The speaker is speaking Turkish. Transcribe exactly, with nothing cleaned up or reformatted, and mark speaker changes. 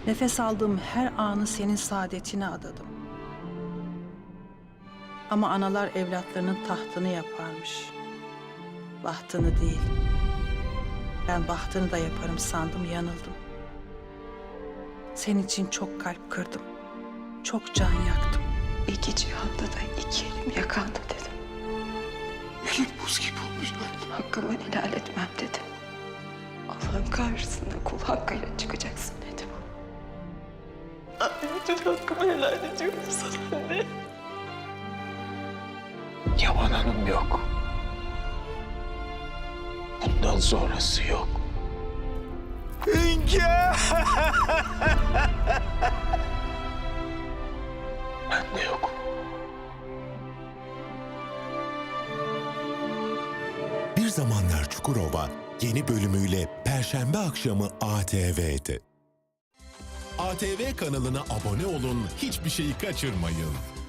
Speaker 1: Nefes aldığım her anı senin saadetine adadım. Ama analar evlatlarının tahtını yaparmış. Bahtını değil. Ben bahtını da yaparım sandım, yanıldım. Senin için çok kalp kırdım. Çok can yaktım.
Speaker 2: İki cihanda da iki elim yakanda dedim.
Speaker 3: Elin buz gibi olmuş.
Speaker 2: Hakkımı helal etmem dedim. Allah'ın karşısına kul hakkıyla çıkacaksın dedim. Anne, bütün hakkımı helal ediyorum sana anne.
Speaker 3: Yaman Hanım yok. Bundan sonrası yok. Hünkâr! Ben de yok.
Speaker 4: Bir Zamanlar Çukurova yeni bölümüyle Perşembe akşamı A T V'de. A T V kanalına abone olun, hiçbir şeyi kaçırmayın.